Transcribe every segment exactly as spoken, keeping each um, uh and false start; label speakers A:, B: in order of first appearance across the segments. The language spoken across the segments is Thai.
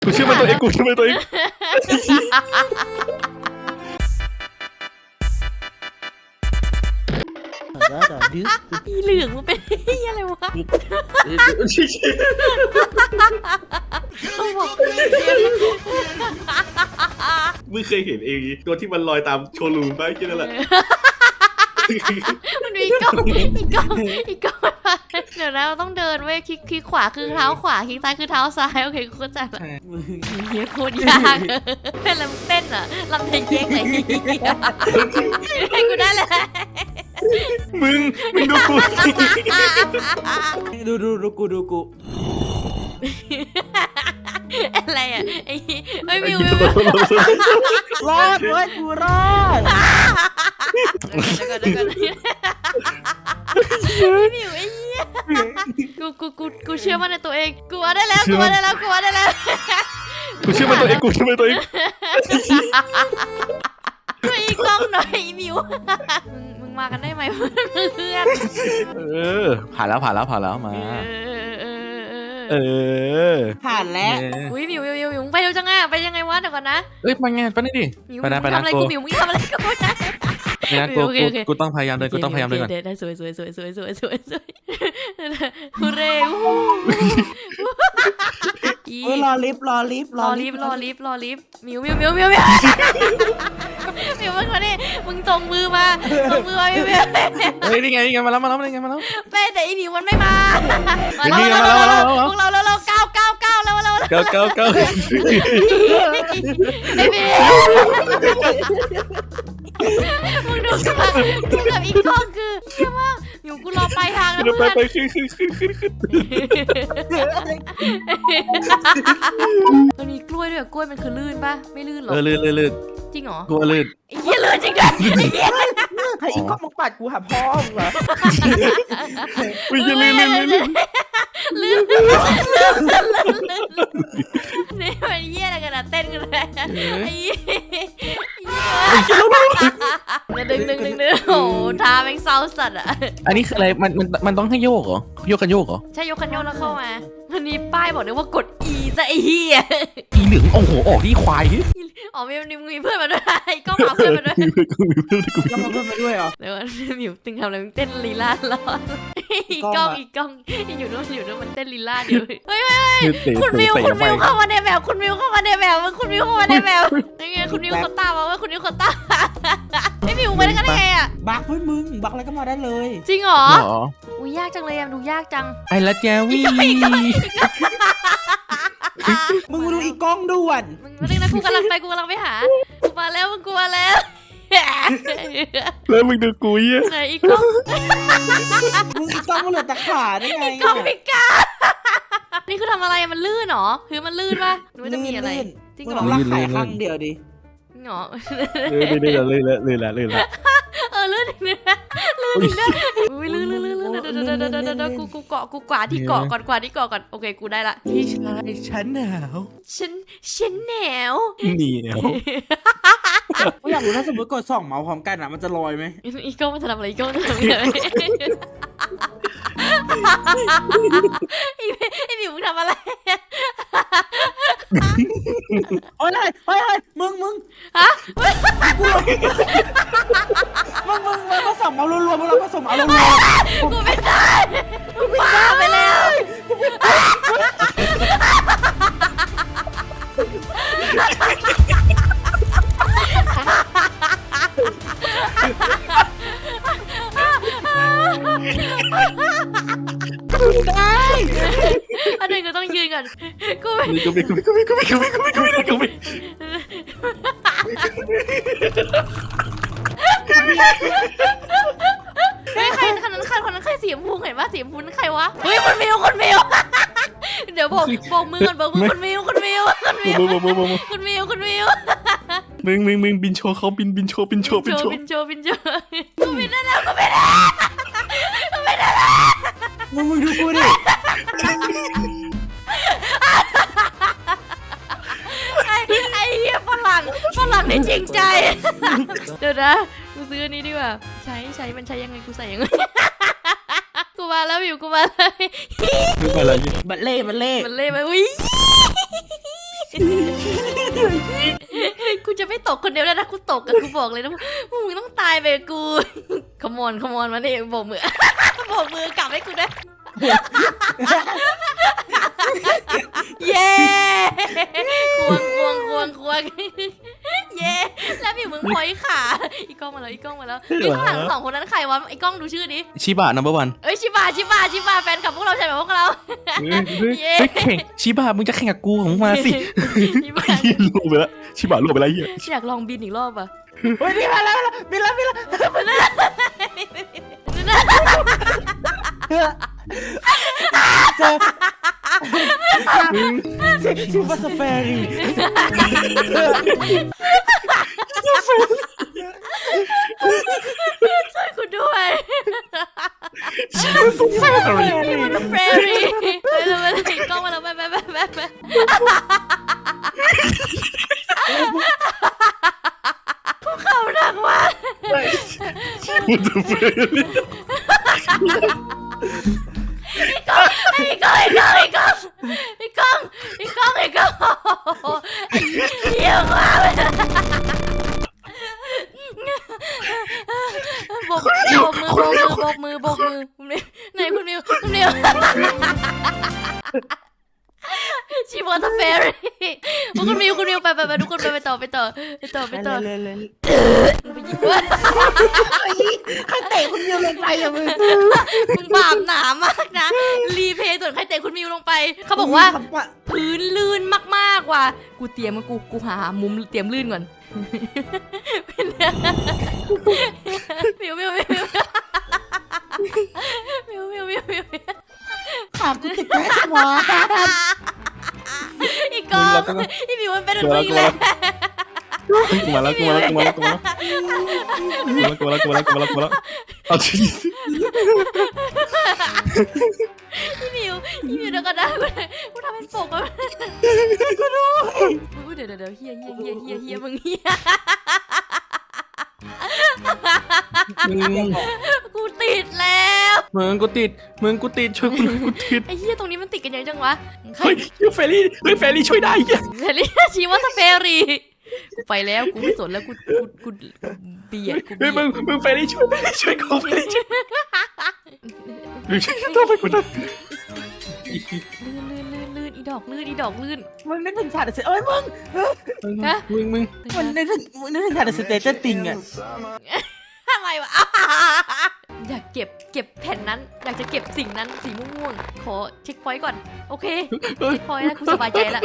A: กูเชื่อมันตัวเองกูเชื่อมันตัวเอง
B: อีเหลืองมันเป็นอะไรวะเขาบอก
A: มึงเคยเห็นเองตัวที่มันลอยตามโชว์รูมป่ะแค่นั้นแหละ
B: มันมีกล้องอีกกล้องอีกกล้องเดี๋ยวนะเราต้องเดินเว้ยคลิกคลิกขวาคือเท้าขวาคลิกซ้ายคือเท้าซ้ายโอเคกูเข้าใจละเฮียโคตรยากเต้นลำเต้นอ่ะลำเพลงเก๊กไหนให้กูได้เลย
A: มึงมึงดูกู
C: ดูดูดูกูดูกู
B: อะไรอ่ะไอ้ไอ้มิว
C: รอดเว้ยกูรอด
B: เดี๋ยวก่อนเดี๋ยวก่อนไอ้มิวไอ้เหี้ยกูกูกูกูเชื่อมั่นในตัวเองกูว่าได้แล้วกูว่าได้แล้วกูว่าได้แล้ว
A: กูเชื่อมันตัวเองกูเชื่อมันตัวเอง
B: ช่วยอีกกล้องหน่อยมิวมึงมากันได้ไหมเพื่อน
A: เออผ่านแล้วผ่านแล้วผ่านแล้วมาเออ
C: ผ่านแล้ว
B: อุ้ยมิวมิวมิวมิวไปเร็วจังอ่ะไปยังไงวะเดี๋ยวก่อนนะ
A: เอ้ยไปไงไปนี่ดิ
B: ไปนะไปนะทำอะไรกูมิวมึงทำอะไรกูนะ
A: นะกูกูต้องพยายามเดินกูต้องพยายามเดินก่อน
B: ได้สวยสวยสวยสวยสวยสวยสวยฮูเร่
C: รอลิฟต์รอลิฟต์
B: รอลิฟต์รอลิฟต์รอลิฟต์มิวมิวมิวมิวมิวมิวมึงมาดิมึงจงมือมาจงมือมามิวมิว
A: เฮ้ยนี่ไงนี่ไงมาแล้วมาแล้วนี่ไงมาแล้ว
B: แม่แต่อีมิวมันไม่มามาแล้วมาแล้วมาแล้วพวกเราเราเราก้าวก้าวก้าวแล้วเรา
A: ก้าวก้าวก้าว
B: ไอ้มิวมึงดูสิว่ากูกับอีกกล้องคือเชื่อว่ามิวกูรอปลายทางแล้ว
A: ไปไปขึ้นขึ้นขึ้นขึ้นขึ้น
B: มันมีกล้วยด้วยกล้วยมันคือลื่นปะไม่ลื่นหรอ
A: เออลื่นลื่นลื่น
B: จริงเหรอ
A: กูลื่น
B: ไอ้เหี้ยลื่นจริงด้วยไอ้เหี้ย
C: ไอ้อีกก็มึงปัดกูหาพ่อมึงเหรอ
A: วิ่งลื่นลื่นลื่นลื่นลื่น
B: ลื่นนี่มันเหี้ยอะไรกันอะเต้นกันเลยไอ้เหี้ยดึงดึงดึงดึงโอ้ท่าแม่งเศร้าสัตว์อะ
A: อันนี้คืออะไรมันมันมันต้องให้โยกเหรอโยกกันโยกเหรอ
B: ใช่โยกกันโยกแล้วเข้ามาวันนี้ป้ายบอกเลยว่ากด E ซะไอ้เหี้ย
A: อีเหลืองโอ้โหออกที่ควาย
B: อ๋อมีมีเพื่อนมาด้วยก็มาเพื่อนมาด้วย
C: ก็มาเพื่อนมาด้วยเหรอ
B: เดี๋ยวมิวตึงทำอะไรมึงเต้นลีลาล้ออีกกล้องอีกกล้องอยู่นู้นอยู่นู้นมันเต้นลีลาอยู่เฮ้ยเฮ้ยคุณมิวคุณมิวเข้ามาในแบบคุณมิวเข้ามาในแบบคุณมิวเข้ามาในแบบยังไงคุณมิวเขาตามมาว่าคุณมิวเขาตามไอ้มิวไปได้กันไงอ่ะ
C: บักเฮ้ยมึงบักอะไรก็มาได้เลย
B: จริงเหรออุ้ยยากจังเลยอะดูยากจัง
A: ไอ้ละแจวี่
C: มึงมาดูอีกกล้องด่วน
B: มึงมาดึงนะกูกำลังไปกูกำลังไปหากูมาแล้วมึงกูมาแล้ว
A: แล้วมึงดูกูยี่
B: ไหนอีกกล้อง
C: มึงอีกกล้องมันเหลือแต่ขาได้ไง
B: อีกกล้องพิการนี่คือทำอะไรมันลื่นหรอคือมันลื่นป่ะหรือจะมีอะไร
C: จริงเหรอลากไข่ข้างเดียวดิ
B: หรอ
A: ลื่นลื่นลื่นลื่นลื่นลื่น
B: เออลื่นเนื้อลื่นเนื้ออุ้ยลื่นลื่นลื่นลื่นเดี๋ยวเดี๋ยวเดี๋ยวเดี๋ยวกูกูเกาะกูกวาดที่เกาะก่อนกวาดที่เกาะก่อนโอเคกูได้ละ
A: พี่ชายฉันหนาว
B: ฉันฉันหนาว
A: นี่หนาว
C: ก็อยากรู้ถ้าสมมติกดสองเมาส์พร้อมกันอ่ะมันจะลอยไหม
B: อีกกล้องมันจะทำอะไรอีกกล้องจะทำอะไรไอ้หมิวมึงทำอะไร
C: โอ้ยเฮ้ยเฮ้ยมึงมึง
B: ฮะ
C: กูมึงมึงมึงก็ส่งเมาส์รัวๆมึงเราก็ส่งเมาส์รัว
B: ๆกูไม่ได้กูบ้าไปแล้ว
C: ได้
B: อันนี้ก็ต้องยืนก่อนกูไม่
A: กูไม่กูไม่กูไม่กูไม่กูไม่กูไม่กูไม่กูไม่
B: เฮ้ยใครคนนั้นใครคนนั้นใครสีชมพูเห็นว่าสีชมพูนั่นใครวะเฮ้ยคนมิวคนมิวเดี๋ยวบอกบอกมือก่อนบอกมือคนมิวคนมิวคนมิวคนมิวคนมิว
A: มึงมึงมึงบินโชว์เขาบินบินโชว์บินโชว์บินโชว์
B: บินโชว์บินโชว์กูบินได้แล้วกูบินได้กูบินได้แล้ว
C: มึงมึงดูกูดิ
B: ไอ้ไอ้เหี้ยฝรั่งฝรั่งนี่จริงใจเดี๋ยวนะกูซื้ออันนี้ดีกว่าใช้ใช้มันใช้ยังไงกูใส่ยังไงกูมาแล้วอยู่กูมาเลย
C: บัลเล่บัลเล่
B: บัลเล่มาอุ้ยกูจะไม่ตกคนเดียวแล้วนะกูตกกับกูบอกเลยนะมึงต้องตายไปกับกูขมอนขมอนมาเนี่ยโบกมือโบกมือกลับให้กูได้เย้ควงควงควงควงเย้แล้วพี่มึงพอยขาอีกล้องมาแล้วอีกล้องมาแล้วอีกข้างหลังสองคนนั้นใครวะไอ้กล้องดูชื่อดิ
A: ชิบะ นัมเบอร์วัน
B: เอ้ยชิบะชิบะชิบะแฟนคลับพวกเราใช่ไหมพวกเรา
A: เฮ้ยแข่งชิบะมึงจะแข่งกับกูของมาสิ
B: ชิบะ
A: ยี่ลูกไปแล้วชิบะลูกไปแล้วเหี้ย
B: อยากลองบินอีกรอบอ่ะ
C: เฮ้ยนี่มาแล้วบินแล้วบินแล้วเจอซูเปอร์สเฟรี
B: ช่วยกูด้วยมันเฟรรี่ไปเลยไปเลยกล้องมาแล้วไปไปไปไปไปกูเข่าหนักว่ะไอ้กล้องไอ้กล้องไอ้กล้องไอ้กล้องไอ้กล้องไอ้กล้องไอ้เหี้ยมากเลยโบกโบกมือโบกมือโบกมือไหนคุณมิวคุณมิวชีวอตเฟรรี่คุณมิวคุณมิวไปไปไปทุกคนไปไปต่อไปต่อไปต่อไปต่อ
C: เลยเลย
B: ไปยิงว่า
C: ใครเตะคุณมิวลงไปอะมึง
B: มึงบาปหนามากนะรีเพย์ส่วนใครเตะคุณมิวลงไปเขาบอกว่าพื้นลื่นมากๆว่ะกูเตรียมกูกูหามุมเตรียมลื่นก่อนมิวมิวมิวมิวมิวมิวมิวมิว
C: ขากูติดแค่หัว
B: อีกกองอีมิวมันเป็นอะไรอีกแล้ว
A: กูมาแล้วกูมาแล้วกูมาแล้วกูมาแล้วกูมาแล้วกูมาแล้วกูมาแล้วกูมาแล้วกูมาแล้วเอาชี
B: อีมิวอีมิวเดี๋ยวก่อนนะกูทำเป็นปกอะกูเดี๋ยวเดี๋ยวเดี๋ยวเฮียเฮียเฮียเฮียเฮียมึงเฮียกูติดแล้ว
A: มึงกูติดมึงกูติดช่วยกูกูติด
B: ไอ้เฮียตรงนี้มันติดกันเยอะจังวะ
A: เฮ้ยเฟรรี่เฮ้ยเฟรรี่ช่วยได้เหี้ย
B: เฟรีชีวอตเฟรีกูไปแล้วกูไม่สนแล้วกูกูกูเบียดกู
A: เฮ้ยมึงมึงเฟรรี่ช่วยช่วยกูเฟรรี่ช่วยหรือช่วยต้องไปกูนะ
B: ลื่นลื่นลื่นลื่นอีดอกลื่นอีดอกลื่น
C: มึงนึกถึงฉากเสเอ้ยมึง
A: มึงมึง
C: มันนึกถึงมึงนึกถึงฉากสเตจติงอะ
B: อะไรวะอยากเก็บเก็บแผ่นนั้นอยากจะเก็บสิ่งนั้นสีม่วงๆขอเช็คพอยต์ก่อนโอเคเช็คพอยต์แล้วกูสบายใจแล้ว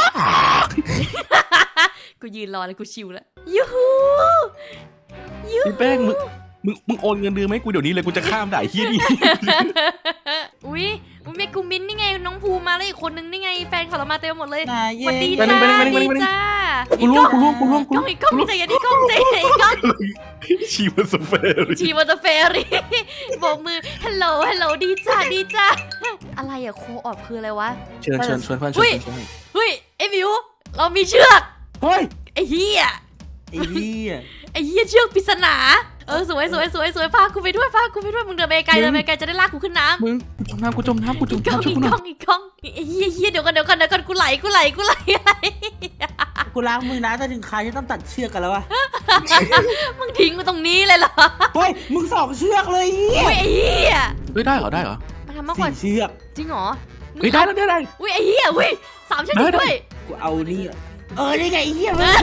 B: กูยืนรอแล้วกูชิลแล้วยูฮูยู
A: พี่แป้งมึงมึงมึงโอนเงินเดือนไหมกูเดี๋ยวนี้เลยกูจะข้ามด่าเฮียนี่
B: อุ้ยอุ้ยเมกูมินนี่ไงน้องภูมาแล้วอีกคนนึงนี่ไงแฟนเขาเรามาเต็มหมดเลย
C: นาเย่
B: วันดีจ้าดีจ้า
A: กูร่วงกูร่วงกูร่วงกู
B: กล้
A: ร่
B: อ
A: ว
B: ง
A: ง
B: อีกกล้องใจเย็นอีกกล้องใจเย็นอีกกล้อง
A: ชีมันสเฟรรี่
B: ชีวอเตอร์เฟรีโบกมือฮัลโหลฮัลโหลดีจ้าดีจ้าอะไรอะโคออดคืออะไรวะ
A: เชิญเชิญชวนเพื่อนชวนเพื่อน
B: เฮ้ยไอ้มิวเรามีเชือก
C: เฮ้ย
B: ไอ้เหี้ย
C: ไอ้เหี้ย
B: ไอ้เหี้ยเชือกปริศนาเออสวยสวยสวยสวยพากูไปด้วยพากูไปด้วยมึงเดินไปไกลเดินไปไกลจะได้ลากกูขึ้นน้ำ
A: มึงกูจมน้ำกูจมน้ำกูจ
B: อี
A: ม
B: กกล้อง
A: น้ำช่วย
B: อี
A: กู
B: ก
A: หน่
B: ก
A: อ
B: ล้อย งอีกกล้องไอ้เหี้ยเหี้ยเดี๋ยวกันเดี๋ยวกันเดี๋ยวกันกูไหลกูไหลกูไหลไหล
C: กูล้างมือนะแต่ถึงใครที่ต้องตัดเชือกกันแล้ววะ
B: มึงทิ้งกูตรงนี้เลยเหรอ
C: เฮ้ยมึงสองเชือกเลยเหี้ย
B: อุ้ยไอ้เหี้ย
A: เฮ้ยได้เหรอได้เหรอ
B: มาทำมากกว่า
C: สี่เชือก
B: จริงเหรอ
A: เฮ้ยได้แล้วได้ได้
B: อุ้ยไอ้เหี้ยอุ้ยสามเชือกจริงด้วย
C: กูเอานี่อะเออนี่ไงไอ้เหี้ยมึง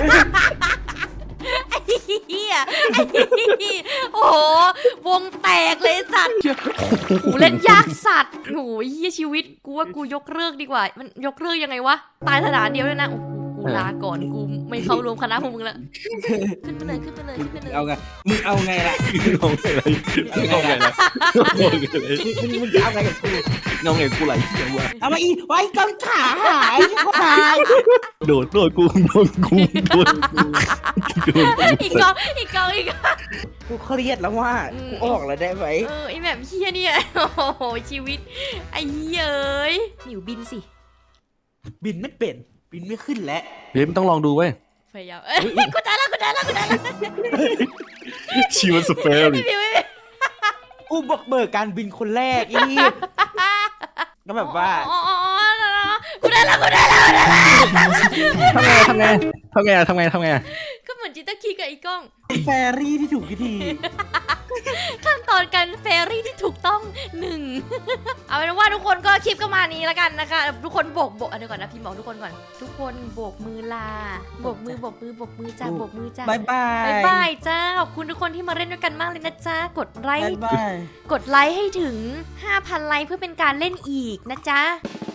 B: ไอ้เหี้ยไอ้เหี้ยโอ้โหวงแตกเลยสัตว์
A: เชี่ย
B: กูเล่นยากสัตว์โอ้ยเหี้ยชีวิตกูว่ากูยกเลิกดีกว่า มันยกเลิกยังไงวะตายสถานเดียวเลยนะโอ้โหกูลาก่อนกูไม่เข้ารวมคณะพวกมึงละขึ้นไปเลยขึ้นไปเลยขึ้นไปเลย
C: เอาไงมึงเอาไงล่ะ
A: งงอะไรงงอะไรงงอะไร
C: มึงมึงจะเอาไงกับกู
A: งงไงกูไหลเชี่ยวะ
C: เอามาอีไว้กำขาหายเขาหาย
A: โดดโดดกูโดนกูโดนกูโดนกู
B: อีกกองอีกกองอีกกอง
C: กูเครียดแล้วว่ากูออกแล้วได้ไหม
B: เออไอแบบเฮียเนี่ยโอ้โหชีวิตไอ้เหี้ยเอ้ยหนิวบินสิ
C: บินไม่เป็นบินไม่ขึ้นแล้ว
A: เฮ้ยมันต้องลองดูเว้ย
B: พยายามเอ้ยกูได้แล้วกูได้แล้วกูได้แล้ว
A: ชีมันสเปร
B: ไม่
A: รี่
B: มีไม่มี
C: กูบอกเบิกการบินคนแรกอีก็แบบว่า
B: อ๋ออ๋ออ๋อกูได้ได้แล้วกูได้แล้วกูได้แล้ว
A: ทำไงทำไงทำไงทำไงทำไง
B: ก็เหมือนจิตตะคีกับอีกล้อง
C: แฟรี่ที่ถูกวิธี
B: ขั้นตอนการเฟรรี่ที่ถูกต้องหนึ่ง เอาเป็นว่าทุกคนก็คลิปก็มานี้แล้วกันนะคะ ทุกคนโบกโบกเดี๋ยวก่อนนะพี่บอกทุกคนก่อน ทุกคนโบกมือลาโบกมือโบกมือโบกมือจ้าโบกมือจ้า
C: บายบาย
B: บายบายจ้าขอบคุณทุกคนที่มาเล่นด้วยกันมากเลยนะจ้ากดไล
C: บาย
B: ค์
C: บาย
B: กดไลค์ให้ถึง ห้าพัน ไลค์เพื่อเป็นการเล่นอีกนะจ๊ะ